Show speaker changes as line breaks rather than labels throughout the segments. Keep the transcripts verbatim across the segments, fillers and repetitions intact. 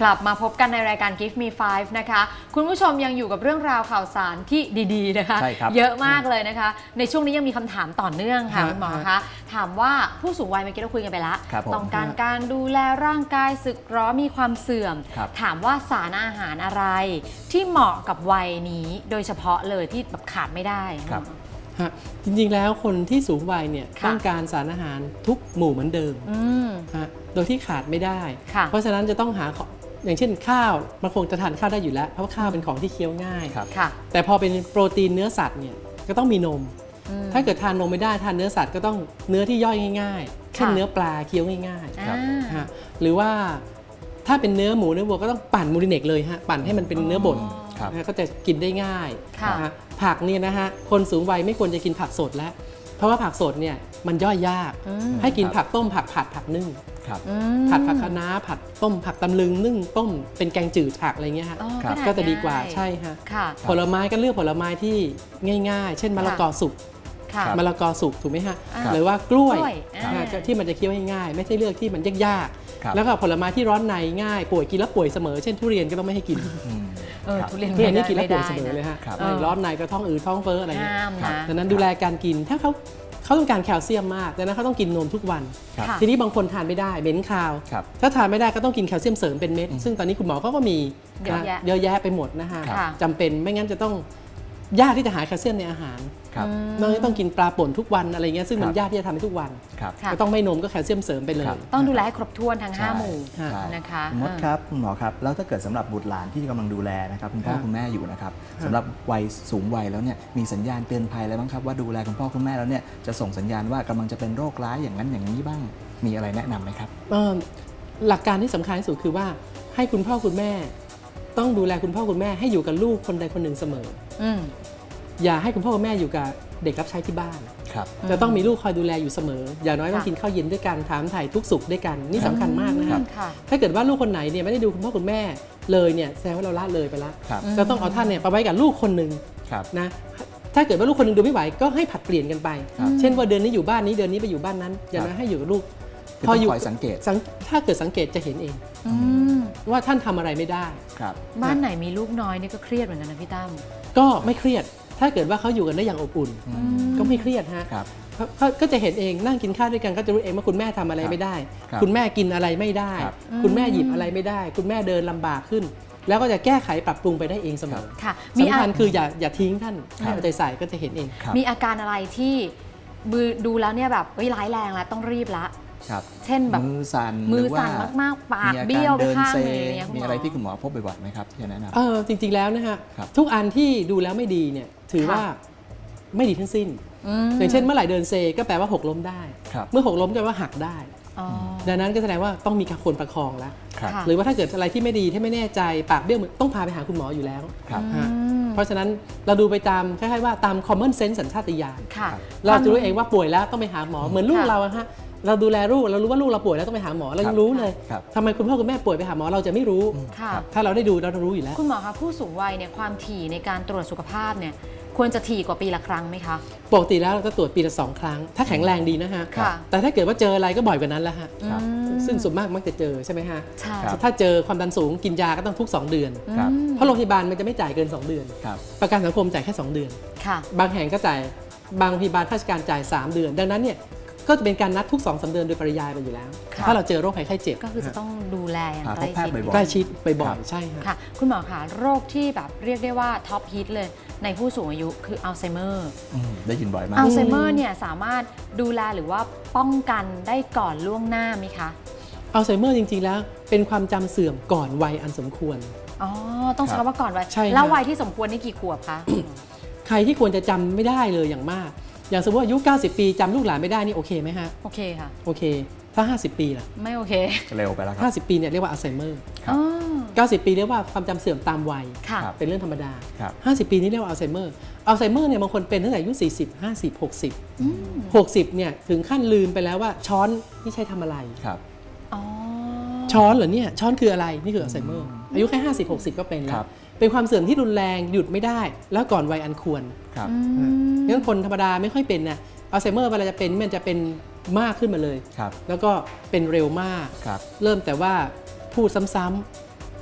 กลับมาพบกันในรายการ Give Me ไฟว์ นะคะคุณผู้ชมยังอยู่กับเรื่องราวข่าวสารที่ดีๆนะคะเยอะมากเลยนะคะในช่วงนี้ยังมีคำถามต่อเนื่องค่ะคุณหมอคะถามว่าผู้สูงวัยเมื่อกี้เราคุยกันไปแล้วต้องการการดูแลร่างกายสึกหรอมีความเสื่อมถามว่าสารอาหารอะไรที่เหมาะกับวัยนี้โดยเฉพาะเลยที่แบบขาดไม่ได้
จริงๆแล้วคนที่สูงวัยเนี่ยต้องการสารอาหารทุกหมู่เหมือนเดิมโดยที่ขาดไม่ได้เพราะฉะนั้นจะต้องหาอย่างเช่นข้าวมันคงจะทานข้าวได้อยู่แล้วเพราะว่าข้าวเป็นของที่เคี้ยวง่ายแต่พอเป็นโปรตีนเนื้อสัตว์เนี่ยก็ต้องมีนมถ้าเกิดทานนมไม่ได้ทานเนื้อสัตว์ก็ต้องเนื้อที่ย่อยง่ายๆเช่นเนื้อปลาเคี้ยวง่ายๆหรือว่าถ้าเป็นเนื้อหมูเนื้อวัวก็ต้องปั่นมูริเนกเลยฮะปั่นให้มันเป็นเนื้อบดก็จะกินได้ง่ายผักเนี่ยนะฮะคนสูงวัยไม่ควรจะกินผักสดแล้วเพราะว่าผักสดเนี่ยมันย่อยยากให้กินผักต้มผักผัดผักนึ่งผัดผักคะน้าผัดต้มผักตำลึงนึ่งต้มเป็นแกงจืดผักอะไรเงี้ยฮะก็จะดีกว่าใช่ฮะผลไม้ก็เลือกผลไม้ที่ง่ายๆเช่นมะละกอสุกมะละกอสุกถูกไหมฮะหรือว่ากล้วยที่มันจะเคี้ยวง่ายๆไม่ใช่เลือกที่มันยากๆแล้วก็ผลไม้ที่ร้อนในง่ายป่วยกินแล้วป่วยเสมอเช่นทุเรียนก็ต้องไม่ให้กิน
ทุเรียน
นี่กินแล้วป่วยเสมอเลยฮะร้อนในก็ท้องอืดท้องเฟ้ออะไรเงี้ยดังนั้นดูแลการกินถ้าเขาเขาต้องการแคลเซียมมากดังนั้นเขาต้องกินนมทุกวันทีนี้บางคนทานไม่ได้เบ้นคาวถ้าทานไม่ได้ก็ต้องกินแคลเซียมเสริมเป็นเม็ดซึ่งตอนนี้คุณหมอเขาก็มีเยอะแยะไปหมดนะฮะจำเป็นไม่งั้นจะต้องยากที่จะหาแคลเซียมในอาหารน้องต้องกินปลาป่นทุกวันอะไรเงี้ยซึ่งมันยากที่จะทำให้ทุกวันก็ต้องไม่นมก็แคลเซียมเสริมไปเลย
ต้องดูแลให้ครบถ้วนทั้งห้าหมู่นะคะ
มดครับคุณหมอครับแล้วถ้าเกิดสำหรับบุตรหลานที่กำลังดูแลนะครับคุณพ่อคุณแม่อยู่นะครับสำหรับวัยสูงวัยแล้วเนี่ยมีสัญญาณเตือนภัยอะไรบ้างครับว่าดูแลคุณพ่อคุณแม่แล้วเนี่ยจะส่งสัญญาณว่ากำลังจะเป็นโรคร้ายอย่างนั้นอย่างนี้บ้างมีอะไรแนะนำไหมครับ
หลักการที่สำคัญที่สุดคือว่าให้คุณพ่อคุณแม่ต้องดูแลคุณพ่อคุณแม่ให้อยู่กับลูกคนใดคนหนึ่งเสมออย่าให้คุณพ่อคุณแม่อยู่กับเด็กรับใช้ที่บ้านจะต้องมีลูกคอยดูแลอยู่เสมออย่างน้อยต้องกินข้าวเย็นด้วยกันถามถ่ายทุกสุขด้วยกันนี่สำคัญมากนะครับถ้าเกิดว่าลูกคนไหนเนี่ยไม่ได้ดูคุณพ่อคุณแม่เลยเนี่ยแสดงว่าเราละเลยไปแล้วจะต้องเอาท่านเนี่ยไปไว้กับลูกคนหนึ่งนะถ้าเกิดว่าลูกคนหนึ่งดูไม่ไหวก็ให้ผัดเปลี่ยนกันไปเช่นว่าเดือนนี้อยู่บ้านนี้เดือนนี้ไปอยู่บ้านนั้นอย่างน้อยให้อยู่กับลูก
พออยู่สังเกต
ถ้าเกิดสังเกตจะเห็นเองว่าท่านทำอะไรไม่ได้
บ้านไหนมีลูกน้อยนี่ก็เครียดเหมือนกันนะพี่ตั้ม
ก็ไม่เครียดถ้าเกิดว่าเขาอยู่กันได้อย่างอบอุ่นก็ไม่เครียดฮะก็จะเห็นเองนั่งกินข้าวด้วยกันก็จะรู้เองว่าคุณแม่ทำอะไรไม่ได้คุณแม่กินอะไรไม่ได้คุณแม่หยิบอะไรไม่ได้คุณแม่เดินลำบากขึ้นแล้วก็จะแก้ไขปรับปรุงไปได้เองเสมอสำคัญคืออย่าอย่าทิ้งท่านให้เอาใจใส่ก็จะเห็นเอง
มีอาการอะไรที่ดูแล้วเนี่ยแบบร้ายแรงแล้วต้องรีบละเช่นแบบ
มือสั่น
มือสั่นมากๆปากเบี้ยวข้างเลย
มีอะไรที่คุณหมอพบบ่อยๆไหมครับที่แนะนำ
เออจริงๆแล้วนะฮะทุกอันที่ดูแล้วไม่ดีเนี่ยถือว่าไม่ดีทั้งสิ้นอย่างเช่นเมื่อไหร่เดินเซก็แปลว่าหกล้มได้เมื่อหกล้มก็แปลว่าหักได้ดังนั้นก็แสดงว่าต้องมีการคนประคองแล้วหรือว่าถ้าเกิดอะไรที่ไม่ดีที่ไม่แน่ใจปากเบี้ยวต้องพาไปหาคุณหมออยู่แล้วเพราะฉะนั้นเราดูไปตามคล้ายๆว่าตาม common sense สัญชาตญาณเราจะรู้เองว่าป่วยแล้วต้องไปหาหมอเหมือนลูกเราอะฮะเราดูแลลูกเรารู้ว่าลูกเราป่วยแล้วต้องไปหาหมอเรายังรู้เลยทำไมคุณพ่อคุณแม่ป่วยไปหาหมอเราจะไม่รู้ถ้าเราได้ดูเราต้องรู้อยู่แล้ว
คุณหมอคะผู้สูงวัยเนี่ยความถี่ในการตรวจสุขภาพเนี่ยควรจะถี่กว่าปีละครั้งไหมคะ
ปกติแล้วเราจะตรวจปีละสองครั้งถ้าแข็งแรงดีนะฮะแต่ถ้าเกิดว่าเจออะไรก็บ่อยกว่านั้นแล้วฮะซึ่งส่วนมากมักจะเจอใช่ไหมฮะถ้าเจอความดันสูงกินยาก็ต้องทุกสองเดือนเพราะโรงพยาบาลมันจะไม่จ่ายเกินสองเดือนประกันสังคมจ่ายแค่สองเดือนบางแห่งก็จ่ายบางโรงพยาบาลราชการจ่ายสามเดือนดังนั้นเนี่ยก็จะเป็นการนัดทุก สองถึงสาม เดือนโดยปริยายไปอยู่แล้วถ้าเราเจอโรคภัยไข้เจ็บ
ก็คือจะต้องดูแลอย่างใกล้ชิด
ใกล้ชิดบ่อยๆใช่
ค่ะคุณหมอคะโรคที่แบบเรียกได้ว่าท็อปฮิตเลยในผู้สูงอายุคืออัลไซเมอร์
ได้ยินบ่อยมาก
อัลไซเมอร์เนี่ยสามารถดูแลหรือว่าป้องกันได้ก่อนล่วงหน้าไหมคะ
อัลไซเมอร์จริงๆแล้วเป็นความจำเสื่อมก่อนวัยอันสมควร
อ๋อต้องใช้คำว่าก่อนวัยแล้ววัยที่สมควรนี่กี่ขวบคะ
ใครที่ควรจะจำไม่ได้เลยอย่างมากอย่างสมมติอายุเก้าสิบปีจำลูกหลานไม่ได้นี่โอเคไหมฮะ
โอเคค่ะ
โอเคถ้าห้าสิบปีล่ะ
ไม่โอเค
เร็วไปแล้วครับ
ห้าสิบปีเนี่ยเรียกว่าอัลไซเมอร์เก้าสิบปีเรียกว่าความจำเสื่อมตามวัยเป็นเรื่องธรรมดาห้าสิบปีนี่เรียกว่าอัลไซเมอร์อัลไซเมอร์เนี่ยบางคนเป็นตั้งแต่อายุสี่สิบ ห้าสิบ หกสิบ หกสิบเนี่ยถึงขั้นลืมไปแล้วว่าช้อนนี่ใช้ทำอะไรครับช้อนเหรอเนี่ยช้อนคืออะไรนี่คืออัลไซเมอร์อายุแค่ห้าสิบ หกสิบก็เป็นแล้วเป็นความเสื่อมที่รุนแรงหยุดไม่ได้แล้วก่อนวัยอันควรงั้นคนธรรมดาไม่ค่อยเป็นนะอัลไซเมอร์เวลาจะเป็นมันจะเป็นมากขึ้นมาเลยแล้วก็เป็นเร็วมากเริ่มแต่ว่าพูดซ้ำๆ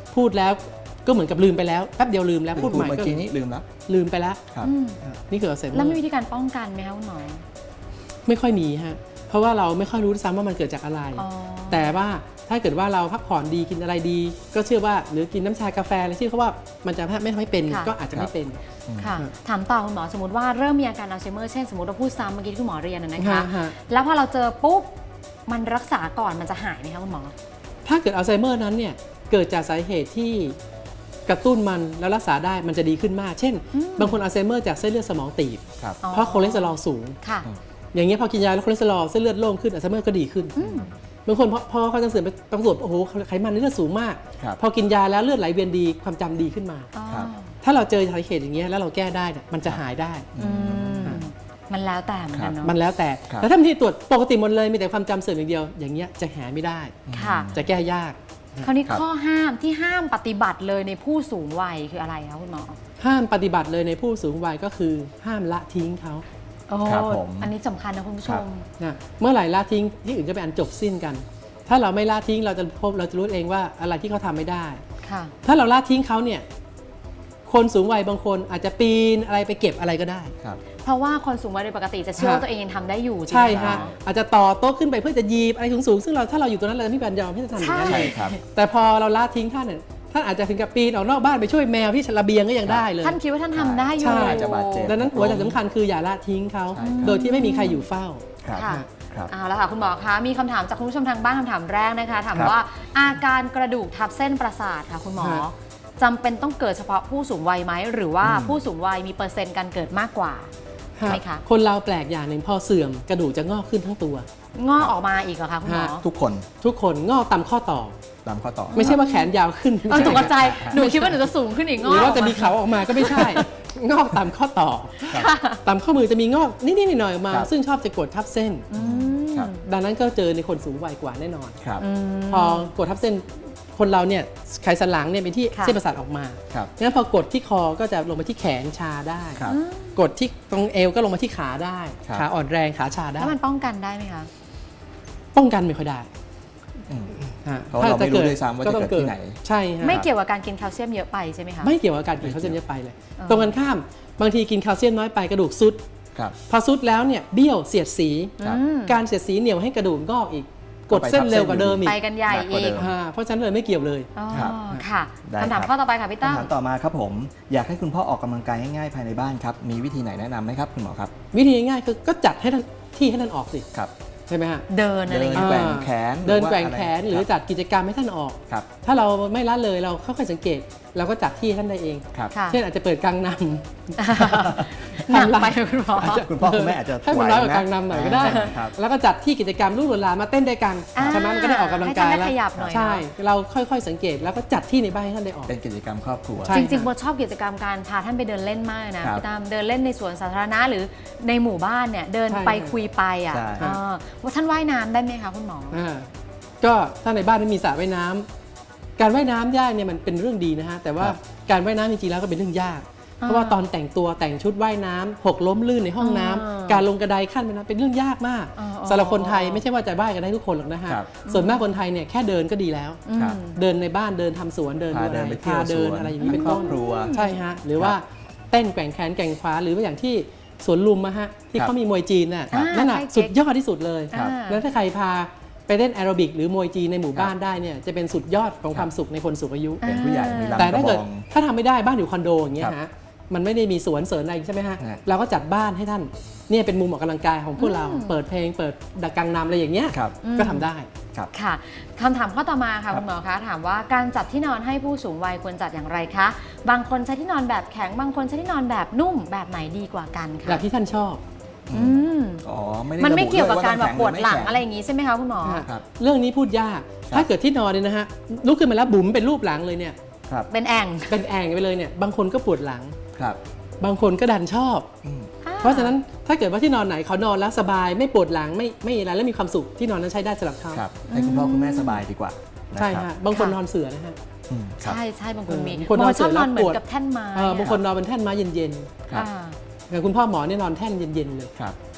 พูดแล้วก็เหมือนกับลืมไปแล้วแป๊บเดียวลืมแล้วพูดใหม่
เมื่อ
ก็
กี้นี้ลืมแล้ว
ลืมไปแล้ว
ครับ
อืม
นี่คืออัลไซเมอ
แล้วมี
ร์
วิธีการป้องกันไหมคะคุณหมอ
ไม่ค่อยมีฮะเพราะว่าเราไม่ค่อยรู้ด้วยซ้ำว่ามันเกิดจากอะไร
อ๋อ
แต่ว่าถ้าเกิดว่าเราพักผ่อนดีกินอะไรดี ก็เชื่อว่าหรือกินน้ำชากาแฟอะไรที่เขาว่ามันจะไม่ทำให้เป็น
ค่ะ
ก็อาจจะไม่เป็น
ค่ะ
อืม
ถามต่อคุณหมอสมมติว่าเริ่มมีอาการอัลไซเมอร์เช่นสมมติเราพูดซ้ำเมื่อกี้ที่คุณหมอเรียนนะนะคะ
ฮะฮะ
แล้วพอเราเจอปุ๊บมันรักษาก่อนมันจะหายไหมคะคุณหมอ
ถ้าเกิดอัลไซเมอร์นั้นเนี่ยเกิดจากสาเหตุที่กระตุ้นมันแล้วรักษาได้มันจะดีขึ้นมาก เช่น
อืม
บางคนอัลไซเมอร์จากเส้นเลือดสมองตีบ
ครับ
อ๋อ
เพราะคอเลสเตอรอลสูง
ค่ะ
อย่างเงี้ยพอกินยาแล้วคอเลสเตอรอลเส้นเลือดโล่งขึ้นอัลไซเมอร์ก็ดีขึ้นบางคนพอพอเขาจะเสื่อมไปปรากฏโอ้โหไขมันในเลือดสูงมาก
ครับ
พอกินยาแล้วเลือดไหลเวียนดีความจำดีขึ้นมา
อ๋อ
ครับ
ถ้าเราเจอสาเหตุอย่างเงี้ยแล้วเราแก้ได้เนี่ยมันจะหายได้
อืมมันแล้วแต่เหมือนกันเนาะ
มันแล้วแต่
ครับ
แล้วถ้าบางทีตรวจปกติหมดเลยมีแต่ความจำเสื่อมอย่างเดียว อย่างเงี้ยจะหาไม่ได้
ค่ะ
จะแก้ยาก
คราวนี้
ครับ
ข้อห้ามที่ห้ามปฏิบัติเลยในผู้สูงวัยคืออะไรคะคุณหมอ
ห้ามปฏิบัติเลยในผู้สูงวัยก็คือห้ามละทิ้งเขา
โอ้
ครับผม
อันนี้สำคัญนะคุณผู้ช
ครับ
ม
นะเมื่อไหร่ละทิ้งที่อื่นก็เป็นอันจบสิ้นกัน ถ้าเราไม่ละทิ้งเราจะพบเราจะรู้เองว่าอะไรที่เขาทำไม่ได้
ค่ะ
ถ้าเราละทิ้งเขาเนี่ยคนสูงวัยบางคนอาจจะปีนอะไรไปเก็บอะไรก็ได้
ครับ
เพราะว่าคนสูงวัยโดยปกติจะเชื่อว่าตัวเองยังทำได้อยู่จริง
ใช่
ไหม
ฮะ
คะ
อาจจะต่อโต๊ะขึ้นไปเพื่อจะหยีบอะไรสูงๆซึ่งเราถ้าเราอยู่ตรงนั้นเราจะไม่มีปัญญาที่จะทำอย่างนั้น
ใช่
เลย
ครับ
แต่พอเราละทิ้งท่านเนี่ยท่านอาจจะถึงกับปีนออกนอกบ้านไปช่วยแมวที่ระเบียงก็ยังได้เลย
ท่านคิดว่าท่านทำได้อยู่
ใช่
อาจจะบาดเจ็บ
ดังนั้นหัวใจสำคัญคืออย่าละทิ้งเขา
ใช่ครับ
โดยที่ไม่มีใครอยู่เฝ้า
ครับ
ค่ะ
ครับ
เอาละค่ะคุณหมอคะมีคำถามจากคุณผู้ชมทางบ้านคำถามแรกนะคะถาม
ครับ
ว่าอาการกระดูกทับเส้นประสาทค่ะคุณหมอ
ฮะ
จำเป็นต้องเกิดเฉพาะผู้สูงวัยไหมหรือว่าผู้สูงวัยมีเปอร์เซ็นต์การเกิดมากกว่า ไหมคะ
คนเราแปลกอย่างหนึ่งพอเสื่อมกระดูกจะงอกขึ้นทั้งตัว
งอกออกมาอีกเหรอคะคุณหมอ
ฮะ
ทุกคน
ทุกคนงอกตามข้อต่อ
ตามข้อต่อ
ไม่ใช่ว่าแขนยาวขึ้น
เออตกใจหนูคิดว่าหนูจะสูงขึ้นอีกง
ห
อก
รือว่าจะมีเขาออกมาก็ไม่ใช่ งอกตามข้อต่อ
ครับ
ตามข้อมือจะมีงอกนิดๆหน่อยๆออกมา
ครับ
ซึ่งชอบจะกดทับเส้น
อืม
ครับ
ดังนั้นก็เจอในคนสูงวัยกว่าแน่นอน
ครับ
อืม
พอกดทับเส้นคนเราเนี่ยไขสันหลังเนี่ยเป็นที่
ค่ะ
เส้นประสาทออกมา
ครับ
งั้นพอกดที่คอก็จะลงมาที่แขนชาได้
ครับ
กดที่ตรงเอวก็ลงมาที่ขาได้
ครับ
ขาอ่อนแรงขาชาได้
แล้วมันป้องกันได้ไหมคะ
ป้องกันไม่ค่อยได้
อืม
ฮะ
เพราะเราไม่รู้ด้วยซ้ำว่าจะ
ต้อง
เกิดที่ไหน
ใช่ฮะ
ไม่เกี่ยวกับการกินแคลเซียมเยอะไปใช่ไหมคะ
ไม่เกี่ยวกับการกินแคลเซียมเยอะไปเลย
เออ
ตรงกันข้ามบางทีกินแคลเซียมน้อยไปกระดูกซุด
ครับ
พอซุดแล้วเนี่ยเบี้ยวเสียดสี
ครับ
อืม
การเสียดสีเหนียวให้กระดูกงอกอีก กดเส้นเร็วกว่าเดิมอีก
ไปกันใหญ่
หนักกว่า
อี
เดิ
ก
ม
อ่าเพราะฉะนั้นเลยไม่เกี่ยวเลย
อ๋อ
ครับ
ค่ะ
ได้
คำถาม
ครับ
ข้อต่อไปค่ะพี่ตั้ม
คำถามต่อมาครับผม อยากให้คุณพ่อออกกำลังกายง่ายๆภายในบ้านครับ มีวิธีไหนแนะนำไหมครับคุณหมอครับ
วิธีง่ายๆคือก็จัดให้ท่านที่ให้ท่านออกสิ
ครับ
ใช่ไหมฮะ
เดินอะไร
เดิ
อน ย่างเงี้ย
แกว่งแขน
เดิน
รือว่า
แกว่งแขน
ะไ
หรือจัดกิจกรรมให้ท่านออก
ครับ
ถ้าเราไม่ละเลยเราค่อยๆสังเกตเราก็จัดที่ให้ท่านได้เอง
ครับ
ค่ะ
เช่นอาจจะเปิดกลางน
หนักไปคุณหมอ
อาจจะคุณพ่อคุณแม่อาจจะ
ให้มันน้อยกว่ากลางนำหน่อยก็ได้
ครับ
แล้วก็จัดที่กิจกรรมลูกหลานมาเต้นด้วยกัน
อ่า
ใช่ไหมมันก็ได้ออกกำลังกาย
ให้ท่านได้
แล้ว
ขยับหน่อยเนอะ
ใช่ เราค่อยๆสังเกตแล้วก็จัดที่ในบ้านให้ท่านได้ออก
เป็นกิจกรรมครอบครัว
ใช่
จริงๆโบชอบกิจกรรมการพาท่านไปเดินเล่นมากนะครับ พี่ตั้มเดินเล่นในสวนสาธารณะหรือในหมู่บ้านเนี่ยเดิน
ใช่
ไปคุยไปอ่ะ
ใช่
เออว่าท่านว่ายน้ำได้ไหมคะคุณหมอ
อ่าก็ถ้าในบ้านไม่มีสระว่ายน้ำการว่ายน้ำยากเนี่ยมันเป็นเรื่องดีนะฮะแต่ว่า
ครับ
การว่ายน้ำจริงๆแล้วก็เป็นเรื่องยาก
อ่า
เพราะว่าตอนแต่งตัวแต่งชุดว่ายน้ำหกล้มลื่นในห้องน้ำ
อ่า
การลงกระไดขั้นไปน้ำเป็นเรื่องยากมาก
อ่า
สำหรับคนไทยไม่ใช่ว่าจะว่ายกันได้ทุกคนหรอกนะฮะ
ครับ
ส่วนมากคนไทยเนี่ยแค่เดินก็ดีแล้ว
อืม
ครับ
เดินในบ้านเดินทำสวนเดิน
พา
ดู
เดิ
อะ
น
ไร
ไปเที่ยว
พาเดิน
สวน
อะไรอย่างนี้เป็น
คร
ต้
อน บครัว
ใช่ฮะหรือว่าเต้นแกว่งแขนแกว่งขวาหรือว่าอย่างที่สวนลุมอะฮะที่
ครับ
เขามีมวยจีนน่ะ
อ่า
นั่นน่ะ
ใช่
สุดยอดที่สุดเลย
ครับ
อ่า
แล้วถ้าใครพาไปเล่นแอโรบิกหรือมวยจีนในหมู่บ้านได้เนี่ยจะเป็นสุดยอดของความสุขในคนสูงอายุ
เป็นผู้ใหญ่มีลำ
แต่
ก
ถ้า
ระบ
เกิด
อง
ถ้าทำไม่ได้บ้านอยู่คอนโดอย่างเงี้ย
ครับ
ฮะมันไม่ได้มีสวนเสริญอะไรใช่ไหมฮะ
ฮะ
เราก็จัดบ้านให้ท่านเนี่ยเป็นมุมออกกำลังกายของพวกเรา
อืม
เปิดเพลงเปิดดักกังนำอะไรอย่างเงี้ย
ครับ
ก็ทำได้
ครับ
ค่ะคำถามข้อต่อมาค่ะ
ครับ
คุณหมอคะถามว่าการจัดที่นอนให้ผู้สูงวัยควรจัดอย่างไรคะ บางคนใช้ที่นอนแบบแข็งบางคนใช้ที่นอนแบบนุ่มแบบไหนดีกว่ากันคะ
แบบที่ท่านชอบ
อืม
อ๋อไม่ได้
มันไม่
ระบุ
เกี่ยวกับ
ด้
การแบบ
ต้
ปวดหลัง
แข็
อะไรอย่างงี้ใช่ไหมคะคุณหมอ
ฮะ
ครับ
เรื่องนี้พูดยาก
ครับ
ถ้าเกิดที่นอนเนี่ยนะฮะลุกขึ้นมาแล้วบุ๋มเป็นรูปหลังเลยเนี่ย
ครับ
เป็นแอ่ง
เป็นแอ่งไปเลยเนี่ยบางคนก็ปวดหลัง
ครับ
บางคนก็ดันชอบ
อืม
เพราะฉะนั้นถ้าเกิดว่าที่นอนไหนเขานอนแล้วสบายไม่ปวดหลังไม่ไม่อะไรแล้วมีความสุขที่นอนนั้นใช้ได้สำหรับเขา
ครับให้คุณพ่อคุณแม่สบายดีกว่านะ
ใช่
ครับ
ฮะบางคน
ค่ะ
นอนเสือนะฮะ
อืมครับ
ใช่ใช่บางคนมี
เออบางคน
บางคนชอบน
น
อ
อน น
เห
เสร็จแล้ว
มือนกับแท่นไม้
เออบางคนนอนเป็นแท่นไม้เย็น
ครับ
อ่า
ๆอย่างคุณพ่อหมอเนี่ยนอนแท่นเย็นๆเลย
ครับ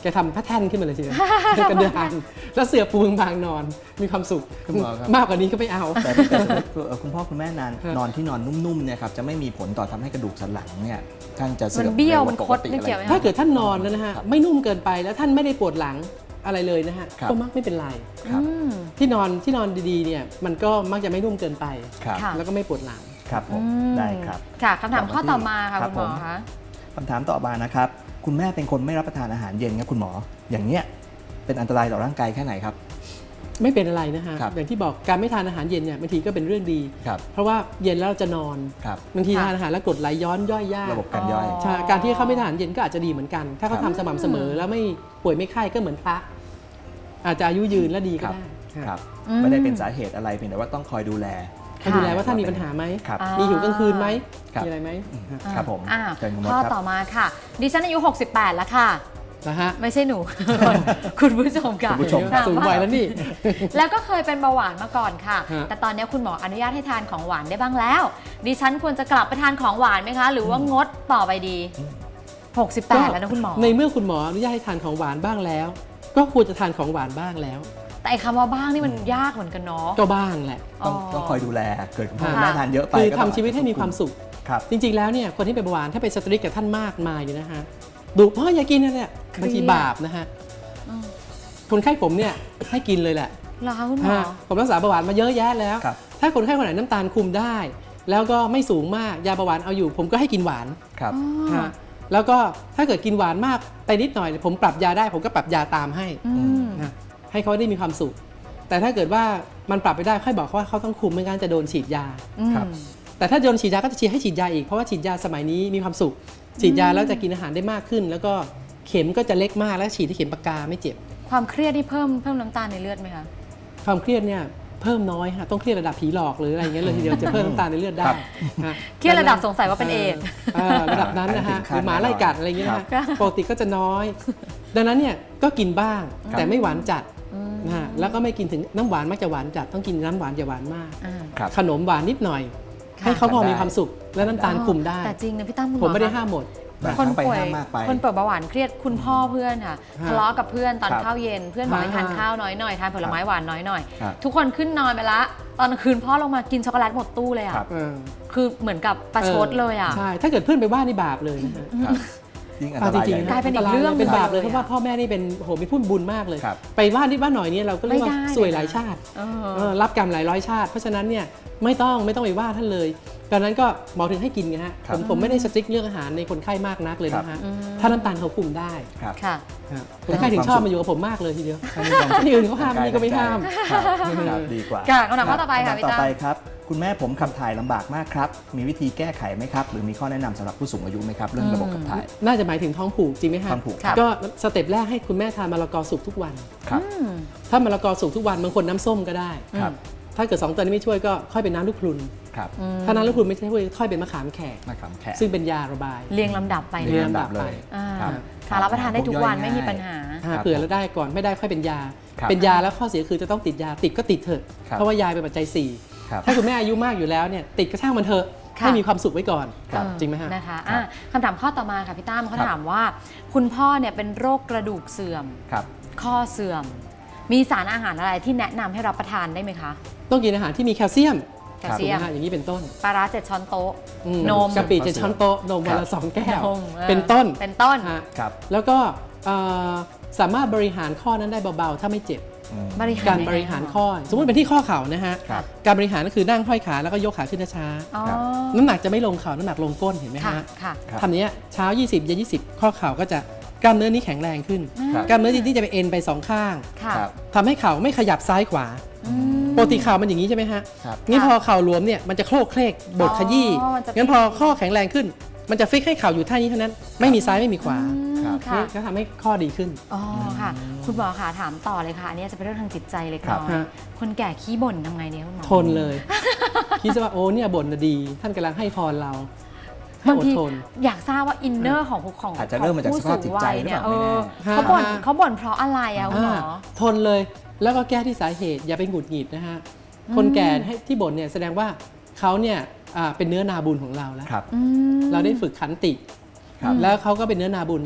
แกทำแพทเทิร์นขึ้นมาเลยทีเดียวกระเดือนแล้วเสือปูบางนอนมีความสุขมากกว่านี้ก็ไม่เอา
แต่ถ้าเกิดสมมติคุณพ่อคุณแม่นอนนอนที่นอนนุ่มๆเนี่ยครับจะไม่มีผลต่อทำให้กระดูกสันหลังเนี่ยท่านจะเสื่อม
มันเบี้ยว
ร็
มัน
ก
ค
ว่า
ด
ปกติ
ไม่เกี่ยวไหม
ถ้าเกิดท่านนอนแล้วนะฮะไม่นุ่มเกินไปแล้วท่านไม่ได้ปวดหลังอะไรเลยนะฮะ
ครับ
ก็มักไม่เป็นไร
ครับ
อืม
ที่นอนที่นอนดีๆเนี่ยมันก็มักจะไม่นุ่มเกินไป
ครับ
ค่ะ
แล้วก็ไม่ปวดหลัง
ครับผม
อืม
ได้ครับ
ค่ะคำถามข้อต่อมาค่ะ
ครั
คุ
บ
ณหมอ
ผม
คะ
คำถามต่อมานะครับคุณแม่เป็นคนไม่รับประทานอาหารเย็นครับคุณหมออย่างเนี้ยเป็นอันตรายต่อร่างกายแค่ไหนครับ
ไม่เป็นอะไรนะฮะ
ครับ
อย่างที่บอกการไม่ทานอาหารเย็นเนี่ยบางทีก็เป็นเรื่องดี
ครับ
เพราะว่าเย็นแล้วเราจะนอน
ครับ
บางที
ค่ะ
ทานอาหารแล้วกรดไหลย้อนย่อยยาก
ระบบการย่อย
อ๋อ
ใช่การที่เขาไม่ทานอาหารเย็นก็อาจจะดีเหมือนกัน ถ้าเขา
ครับ
ทำสม่ำเสมอแล้วไม่ป่วยไม่ไข้ก็เหมือนพระอาจจะอายุยืนและดีก็ได้
ครับ
อืม
ไม่ได้เป็นสาเหตุอะไรเพียงแต่ว่าต้องคอยดูแล
ให้ดูแลว่าท่านมีปัญหาไหม
ครับ
อ่า
มีหิวกลางคืนไหม
ครับ
มีอะไรไหม
ครับผม
อ่า
เชิญคุณมด
ข้อ
ครับ
ต่อมาค่ะ ดิฉันอายุ หกสิบแปด แล้วค่ะ
นะฮะ
ไม่ใช่หนู คุณผู้ชมค่ะ
คุณผู้ชม
ถา
สูง
ว่า
วัยแล้วนี่
แล้วก็เคยเป็นเบาหวานมาก่อนค่ะ
ฮะ
แต่ตอนนี้คุณหมออนุญาตให้ทานของหวานได้บ้างแล้ว ดิฉันควรจะกลับไปทานของหวานไหมคะ หรือว่างดต่อไปดี หกสิบแปด แล้วนะคุณหมอ
ในเมื่อคุณหมออนุญาตให้ทานของหวานบ้างแล้ว ก็ควรจะทานของหวานบ้างแล้ว
แต่ไอ้คำว่าบ้างนี่มันยากเหมือนกันเนาะ
ก็บ้างแหละ
ต้องต้องคอยดูแลเกิดคุณพ่อ
ค่ะ
คุณแม่ทานเยอะไป
คือ
ก็
ทำ
ต้อง
ชีวิตให้มีความสุข
ครับ
จริงๆแล้วเนี่ยคนที่เป็นเบาหวานถ้าไปสตริกกับท่านมากมายเนี่ยนะฮะดุพ่ออย่ากินนั่นแหละ
เครียด
บางทีบาปนะฮะ
อืม
คนไข้ผมเนี่ยให้กินเลยแหละ
เหรอคะคุณหมอ
ฮะผมรักษาเบาหวานมาเยอะแยะแล้ว
ครับ
ถ้าคนไข้คนไหนน้ำตาลคุมได้ แล้วก็ไม่สูงมากยาเบาหวานเอาอยู่ ผมก็ให้กินหวาน
ครับ
อ๋อ
ฮะแล้วก็ถ้าเกิดกินหวานมากไปนิดหน่อย ผมปรับยาได้ ผมก็ปรับยาตามให้
อืม
นะให้เขาได้มีความสุข แต่ถ้าเกิดว่ามันปรับไปได้ค่อยบอกเขาว่าเขาต้องคุมไม่งั้นจะโดนฉีดยา
ครับ
อืม
แต่ถ้าโดนฉีดยาก็จะฉีดให้ฉีดยาอีกเพราะว่าฉีดยาสมัยนี้มีความสุข ฉีดยาแล้วจะกินอาหารได้มากขึ้น แล้วก็เข็มก็จะเล็กมากแล้วฉีดที่เข็มปากกาไม่เจ็บ
ความเครียดที่เพิ่มเพิ่มน้ำตาลในเลือดไหมคะ
ความเครียดเนี่ยเพิ่มน้อยฮะต้องเครียดระดับผีหลอกหรืออะไรอย่างเงี้ยเลยทีเดียวจะเพิ่มน้ำตาลในเลือดได้
ครับ
ฮะ
เครียดระดับสงสัยว่าเป็นเอดส์
เออระดับนั้นนะฮะ
ถึง
ห
ขั้น
รือหมาไล่กัดอะไรอย่างเงี้ยนะฮะ
ครับ
ปกติก็จะน้อย ดังนั้นเนี่ยก็กินบ้าง
ครับ
แต่ไม่หวานจัด
อืม
นะฮะแล้วก็ไม่กินถึงน้ำหวานมักจะหวานจัดต้องกินน้ำหวานอย่าหวานมาก
อ่า
ครับ
ขนมหวานนิดหน่อย
ค่ะ
ให้เขาพอ
ได้
มีความสุขและน้ำตาลคุมได้
แต่จริงนะพี่ตั้มคุณห
ผม มไม่ได้
คะ
ห้ามหมด
บาง
คน
ครั้งไป
ป่วย
ห้ามมากไป
คนป่วยเบาหวานเครียดคุณพ่อเพื่อนค่ะ
ฮะ
ทะเลาะกับเพื่อนตอน
ครับ
ข้าวเย็นเพื่อนบอกให้ทาน
ฮะ
ข้าวน้อยหน่อยทานผลไม้หวานน้อยหน่อย
ครับ
ทุกคนขึ้นนอนไปละตอนกลางคืนพ่อลงมากินช็อกโกแลตหมดตู้เลยอ่ะ
ครับ
เออ
คือเหมือนกับประชดเลยอ่ะ
ใช่ถ้าเกิดเพื่อนไปว่านี่บาปเลยนะฮะ
ครับยิ่งอันต
เอา
รา
จ
ย
ริง
ใหญ่
ๆ
กลายเป็นอีกเรื่อง
เป็นบาปเลย
เลย
เพราะว่าพ่อแม่นี่เป็นโอ้โหมีพุ่นบุญมากเลย
ครับ
ไปว่านิดว่าหน่อยเนี่ยเราก็เรียกว่า
ไม่ได้
สวยหลายชาติ
เออ
เออรับกรรมหลายร้อยชาติ เพราะฉะนั้นเนี่ยไม่ต้องไม่ต้องไปว่าท่านเลยดังนั้นก็หมอถึงให้กินไงฮะ
ครั
ผ
บ
มผมไม่ได้สติ๊กเรื่องอาหารในคนไข้มากนักเลยนะฮะ
อืม
ถ้าน้ำตาลเขาคุมได้
ครับ
ค่ะ
ฮะคนไข้ถึงชอบมาอยู่กับผมมากเลยทีเดียว
ถ้ามีความสุข
ที่อื่นเขาห้ามนี่ก็ไม่ห้าม
ครับครับดีกว่า
ค่ะคำถามข้อต่อไปค่ะ
ำถาม
พี่
ต่อ
ตั้ม
ไปครับ คุณแม่ผมขับถ่ายลำบากมากครับ มีวิธีแก้ไขไหมครับ หรือมีข้อแนะนำสำหรับผู้สูงอายุไหมครับ เรื่องระบบขับถ่าย
น่าจะหมายถึงท้องผูกจริงไหมฮะ
ท้องผูก
ครับ
ก็สเต็ปแรกให้คุณแม่ทานมะละกอสุกทุกวัน
ครับ
อืม
ถ้ามะละกอสุกทุกวันบางคนน้ำส้มก็ได้
ครับ
ถ้าเกิดสองตัวนี้ไม่ช่วยก็ค่อยเป็นน้ำลูกพลุน
ครับ
อืม
ถ้าน้ำลูกพลุนไม่ช่วยค่อยเป็นมะขามแขก
มะขามแขก
ซึ่งเป็นยาระบาย
เรียงลำดับไป
เรียง
นะ
ลำดับเลย
อ่า
ครับ
ค่ะรับประทานได้ทุกวันไม่มีปัญหา
หา
ครับ
เผื่อแล้วได้ก่อนไม่ได้ค่อยเป็นยา
ครับ
เป็นยาแล้วข้อเสียคือจะต้องติดยาติดก็ติดเถอะ
ครับ
เพราะว่ายาเป็นปัจจัยสี่
ครับ
ถ้าคุณแม่อายุมากอยู่แล้วเนี่ยติดก็ช่างมันเถอะ
ค่ะ
ให้มีความสุขไว้ก่อน
ครับ
เออ
จริงไหมฮะ
นะคะ
ครับ
อ่ะคำถามข้อต่อมาค่ะพี่ตั้มเขา
ครับ
ถามว่า คุณพ่อเนี่ยเป็นโรคกระดูกเสื่อม
ครับ
ข้อเสื่อม มีสารอาหารอะไรที่แนะนำให้รับประทานได้ไหมคะ
ต้องกินอาหารที่มีแคลเซียม
แคลเซียม
ถูกไหฮะอย่างนี้เป็นต้น
ปลาร้าเจ็ดช้อนโต๊ะ
อื
นม
กะปิเจ็ดช้อนโต๊ะนมวันละสองแก้ว
นมออ
เป็นต้น
เป็นต้น
ฮะ
ครับ
แล้วก็เอ่อสามารถบริหารข้อนั้นได้เบาๆถ้าไม่เจ็บ
อืม
บริหาร
การ
ยังไง
บริหาร
คะ
ข้อ สมมติเป็นที่ข้อเข่านะฮะ
ครับ
การบริหารก็คือนั่งห้อยขาแล้วก็ยกขาขึ้นช้า
อ๋อ
ครับ
ๆน้ำหนักจะไม่ลงเข่าน้ำหนักลงก้นเห็นไหม
ค่ะ
ฮะ
ค่ะ
ครับ
ทำอย่างเนี้ยเช้า ยี่สิบ เย็น ยี่สิบ ข้อเข่าก็จะกล้ามเนื้อนี้แข็งแรงขึ้น
ครับ
กล้ามเนื้อที่จะไปเอ็นไปสองข้าง
ค่ะ
ครับ
ทำให้เข่าไม่ขยับซ้ายขวา
อืม
ปกติเข่ามันอย่างนี้ใช่ไหมฮะ
ครับ
นี่
ค่ะ
พอเข่าหลวมเนี่ยมันจะโคลกเคลกบดขยี้
อ๋อมันจะ
งั้นพอข้อแข็งแรงขึ้น มันจะฟิกให้เข่าอยู่ท่านี้เท่านั้น ไม่มีซ้ายไม่มีขวา
อืม
ครับ
ค่ะ
นี่ก็ทำให้ข้อดีขึ้น
อ๋อค่ะ คุณหมอค่ะถามต่อเลยค่ะ อันนี้จะเป็นเรื่องทางจิตใจเล็ก
ครับ
น้อย
ฮะ
คนแก่ขี้บ่นทำไงเนี่ยคุณหมอ
ทนเลย คิดซะว่าโอ้เนี่ยบ่นน่ะดี ท่านกำลังให้พรเราให้
บาง
อด
ที
ทน
อยากทราบว่าอินเนอร์ของของ
อาจจะเริ่มมาจาก
ผู้
สภาพจิตใจ
สูงวัยเนี่ย
หรือเปล่า
เออ
ไม่แน่
เขาบ่น
ฮะ
เขาบ่นเพราะอะไรอะคุณหมอ
อ่าทนเลยแล้วก็แก้ที่สาเหตุอย่าไปหงุดหงิดนะฮะคนแก่ให้ที่บ่นเนี่ยแสดงว่าเขาเนี่ยอ่าเป็นเนื้อนาบุญของเราแล้ว
ครับ
อืม
เราได้ฝึกขันติ
ครับ
แล้วเขาก็เป็นเนื้อนาบุญเรา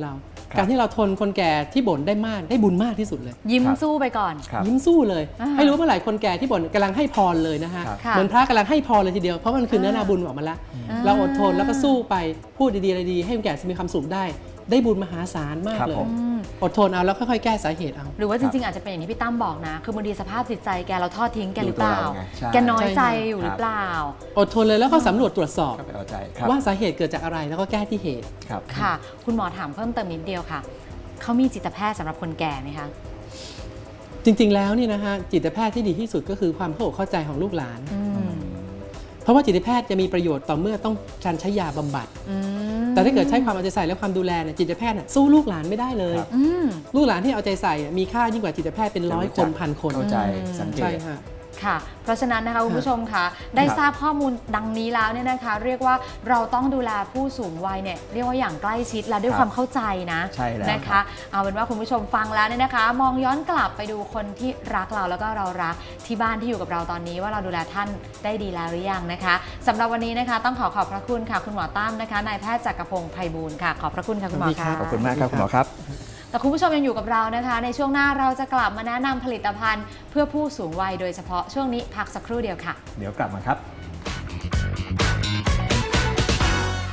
การที่เราทนคนแก่ที่บ่นได้มากได้บุญมากที่สุดเลย
ยิ้มสู้ไปก่อน
ยิ้มสู้เลยให้รู้เมื่อไหร่คนแก่ที่บ่นกำลังให้พรเลยนะฮะเหมือนพระกำลังให้พรเลยทีเดียวเพราะมันคือเนื้อนาบุญออกมาแล้วเราอดทนแล้วก็สู้ไปพูดดีๆอะไรดีให้คนแก่มีความสุขได้ได้บุญมหาศาลมากเลยอดทนเอาแล้วค่อยๆแก้สาเหตุเอา
หรือว่าจริงๆอาจจะเป็นอย่างที่พี่ตั้มบอกนะคือบางทีสภาพจิตใจแกเราทอดทิ้งแกหรือเปล่าแกน้อยใจอยู่หรือเปล่า
อดทนเลยแล้วก็สำรวจตรวจสอบว่าสาเหตุเกิดจากอะไรแล้วก็แก้ที่เหตุ
ค่ะคุณหมอถามเพิ่มเติมนิดเดียวค่ะเขามีจิตแพทย์สำหรับคนแก่ไหมคะ
จริงๆแล้วนี่นะฮะจิตแพทย์ที่ดีที่สุดก็คือความเข้าอกเข้าใจของลูกหลานเพราะว่าจิตแพทย์จะมีประโยชน์ต่อเมื่อต้องการใช้ยาบำบัดแต่ถ้าเกิดใช้ความเอาใจใส่และความดูแลเนี่ยจิตแพทย์สู้ลูกหลานไม่ได้เลยลูกหลานที่เอาใจใส่มีค่ายิ่งกว่าจิตแพทย์เป็นร้อยคนพันคน
เข้าใจสังเกต
ค่ะเพราะฉะนั้นนะคะคุณผู้ชมคะได้ทราบข้อมูลดังนี้แล้วเนี่ยนะคะเรียกว่าเราต้องดูแลผู้สูงวัยเนี่ยเรียกว่าอย่างใกล้ชิดและด้วยความเข้าใจนะนะคะเอาเป็นว่าคุณผู้ชมฟังแล้วเนี่ยนะคะมองย้อนกลับไปดูคนที่รักเราแล้วก็เรารักที่บ้านที่อยู่กับเราตอนนี้ว่าเราดูแลท่านได้ดีแล้วหรือยังนะคะสำหรับวันนี้นะคะต้องขอขอบพระคุณค่ะคุณหมอตั้มนะคะนายแพทย์จักรพงศ์ไพบูลย์ค่ะขอบพระคุณค่ะคุณหมอค่ะ
ขอบคุณมากครับคุณหมอครับ
แต่คุณผู้ชมยังอยู่กับเรานะคะในช่วงหน้าเราจะกลับมาแนะนำผลิตภัณฑ์เพื่อผู้สูงวัยโดยเฉพาะช่วงนี้พักสักครู่เดียวค่ะ
เดี๋ยวกลับมาครับ